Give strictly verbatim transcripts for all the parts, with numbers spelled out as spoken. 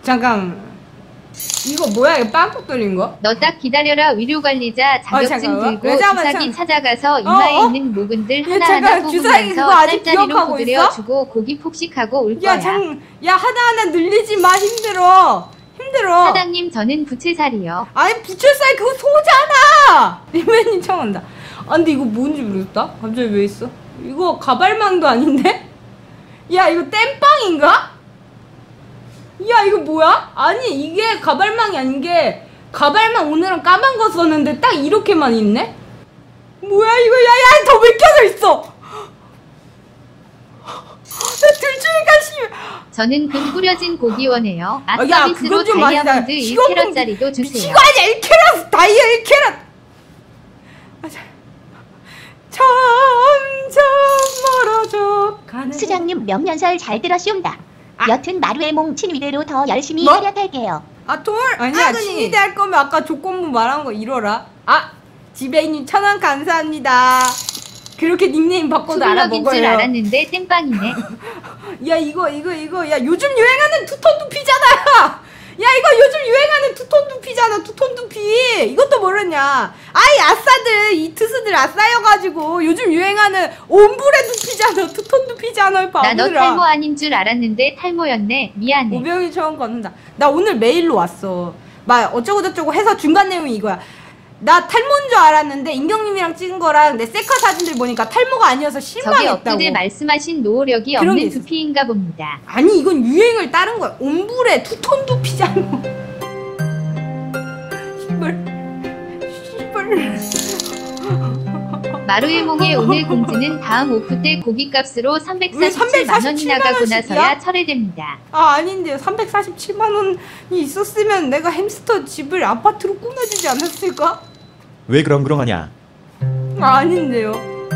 잠깐 이거 뭐야? 이거 빵꾸 뚫린 거? 너 딱 기다려라. 의료관리자 자격증 어, 들고 잠깐만, 주사기 잠깐. 찾아가서 이마에 어, 어? 있는 모근들 야, 하나하나 잠깐, 주사기 그거 뽑으면서 아직 짤짤이로 기억하고 구드려주고 고기 폭식하고 올 야, 거야. 장, 야 하나하나 늘리지 마. 힘들어. 힘들어. 사장님 저는 부채살이요. 아니 부채살 그거 소잖아. 리맨님 청한다. 아 근데 이거 뭔지 모르겠다. 갑자기 왜 있어? 이거 가발망도 아닌데? 야 이거 땜빵인가? 야 이거 뭐야? 아니 이게 가발망이 아닌 게 가발망 오늘은 까만 거 썼는데 딱 이렇게만 있네? 뭐야 이거. 야야 더 왜 껴져 있어. 나 들추니까 심. 저는 근 뿌려진 고기 원해요. 아 아, 야, 서비스로 그건 좀 많이 다이아몬드 나- 일 이건 좀 캐럿짜리도 주세요. 이거 아니야 일 캐럿 다이아 일 캐럿. 아, 자. 점점 멀어져 가는 수장님 명년설 잘 들었시옵니다. 아. 여튼 마루의 몽친 위대로 더 열심히 뭐? 활약할게요. 아 돌? 아니야 친위대 할 거면 아까 조건부 말한 거 이뤄라. 아 지배인님 천원 감사합니다. 그렇게 닉네임 바꿔도 투블럭인 줄 알아먹어요. 알았는데 땜빵이네. 야 이거 이거 이거 야 요즘 유행하는 투톤 두피잖아. 야 이거 요즘 유행하는 투톤 두피잖아. 투톤 두피 이것도 모르냐. 아이 아싸들 이 트스들 아싸여가지고 요즘 유행하는 옴브레 두피잖아. 투톤 두피잖아. 나 너 바보들아. 탈모 아닌 줄 알았는데 탈모였네. 미안해. 오병이 처음 걷는다. 나 오늘 메일로 왔어. 막 어쩌고저쩌고 해서 중간 내용이 이거야. 나 탈모인 줄 알았는데 인경님이랑 찍은 거랑 내 셀카 사진들 보니까 탈모가 아니어서 저게 실망했다고. 엊그제 말씀하신 노후력이 그런 게 없는 있었어. 두피인가 봅니다. 아니 이건 유행을 따른 거야. 옴브레 투톤 두피잖아. 씨발 씨발. 마루의 몽의 오늘 공지는 다음 오프 때 고기값으로 왜 삼백사십칠만 원이 삼백사십칠만 나가고 원씩이야? 나서야 철회됩니다. 아 아닌데요. 삼백사십칠만 원이 있었으면 내가 햄스터 집을 아파트로 꾸며주지 않았을까? 왜 그렁그렁하냐? 아, 아닌데요.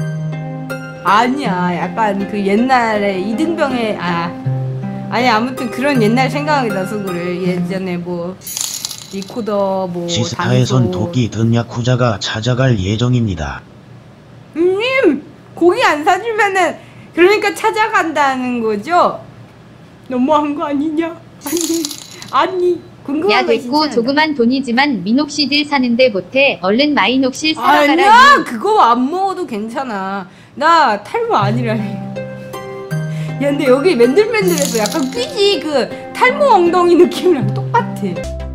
아니야. 약간 그 옛날에 이등병의 아 아니 아무튼 그런 옛날 생각이 나서 그래. 예전에 뭐 리코더 뭐 지스타에선 단소. 도끼 든 야쿠자가 찾아갈 예정입니다. 님 고기 안 사주면은 그러니까 찾아간다는 거죠? 너무한 거 아니냐? 아니 아니 궁금한 야 거 됐고 진짜 조그만 돈이지만 민옥시딜 사는데 못해. 얼른 마이녹실 사러 아니야 가라. 그거 안 먹어도 괜찮아. 나 탈모 아니라니. 야 근데 여기 맨들맨들해서 약간 삐지 그 탈모 엉덩이 느낌이랑 똑같아.